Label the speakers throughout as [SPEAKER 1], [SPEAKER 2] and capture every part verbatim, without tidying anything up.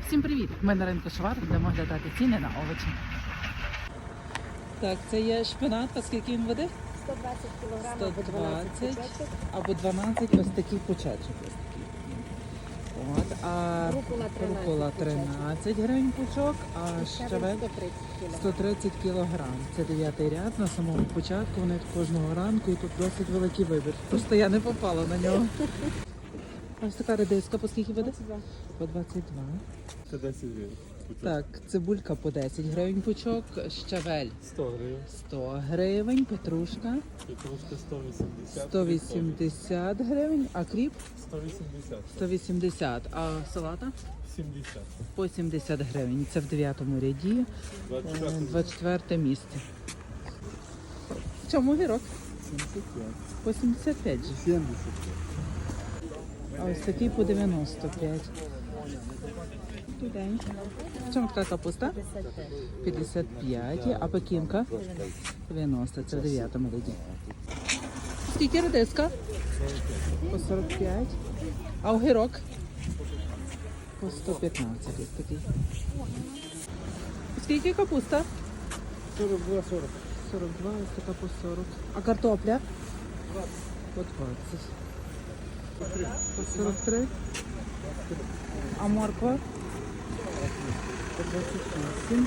[SPEAKER 1] Всім привіт! Ми на ринку Швар, будемо оглядати ціни на овочі. Так, це є шпинат, а скільки він води?
[SPEAKER 2] сто двадцять кілограм
[SPEAKER 1] сто
[SPEAKER 2] або дванадцять
[SPEAKER 1] двадцять
[SPEAKER 2] пучечок.
[SPEAKER 1] або дванадцять ось такий пучечок. Ось такий. От, а
[SPEAKER 2] Рукола тринадцять
[SPEAKER 1] рукола тринадцять гривень пучок, а щавель
[SPEAKER 2] сто тридцять кілограм.
[SPEAKER 1] сто тридцять кілограм. Це дев'ятий ряд, на самому початку, вони кожного ранку і тут досить великий вибір. Просто я не попала на нього. Ось така редиска, по скільки буде?
[SPEAKER 2] двадцять два.
[SPEAKER 1] По двадцять два.
[SPEAKER 3] Це десять гривень. Пучок.
[SPEAKER 1] Так, цибулька по десять гривень пучок, щавель
[SPEAKER 3] сто гривень.
[SPEAKER 1] сто гривень, петрушка
[SPEAKER 3] Петрушка сто вісімдесят.
[SPEAKER 1] сто вісімдесят гривень, а кріп
[SPEAKER 3] сто вісімдесят.
[SPEAKER 1] сто вісімдесят, а салата
[SPEAKER 3] сімдесят.
[SPEAKER 1] по сімдесят гривень. Це в дев'ятому ряді, е, двадцять четверте місце. В чому огірок?
[SPEAKER 3] сімдесят п'ять.
[SPEAKER 1] По сімдесят п'ять же.
[SPEAKER 3] сімдесят п'ять.
[SPEAKER 1] А ось такий по дев'яносто п'ять. Добрий день. В чому така капуста? п'ятдесят п'ять. А пекінка? дев'яносто. Це в дев'ятому ряді. Скільки редиска? По сорок п'ять. А огірок? По сто п'ятнадцять. Ось такий. Скільки капуста?
[SPEAKER 3] сорок два сорок.
[SPEAKER 1] сорок два, ось така по сорок. А картопля? По двадцять. По сорок три. А морква? По двадцять вісім.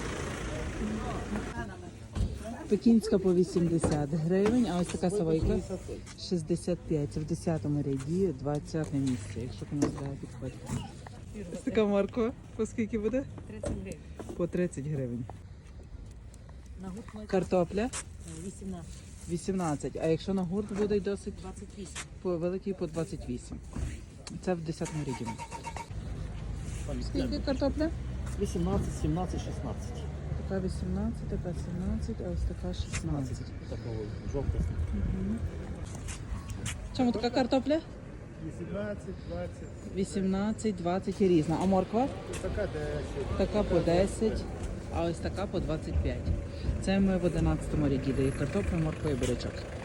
[SPEAKER 1] Пекінська по вісімдесят гривень, а ось така савойка шістдесят п'ять. Це в десятому ряді, двадцяте місце, якщо комусь треба підходити. Ось така морква, по скільки буде?
[SPEAKER 2] тридцять гривень.
[SPEAKER 1] По тридцять гривень.
[SPEAKER 2] На гурт ми
[SPEAKER 1] Картопля
[SPEAKER 2] вісімнадцять.
[SPEAKER 1] вісімнадцять, а якщо на гурт буде досить
[SPEAKER 2] двадцять вісім.
[SPEAKER 1] по великий по двадцять вісім. Це в десятому ряді. Скільки картопля?
[SPEAKER 4] вісімнадцять, сімнадцять, шістнадцять.
[SPEAKER 1] Така вісімнадцять, така сімнадцять, а ось така шістнадцять.
[SPEAKER 4] Такого жовтого.
[SPEAKER 1] Чому така картопля?
[SPEAKER 3] вісімнадцять, двадцять.
[SPEAKER 1] вісімнадцять, двадцять і різна. А морква?
[SPEAKER 3] Така десять.
[SPEAKER 1] Така по десять, а ось така по двадцять п'ять. Це ми в одинадцятому ряді, де є картопля, морква і бурячок.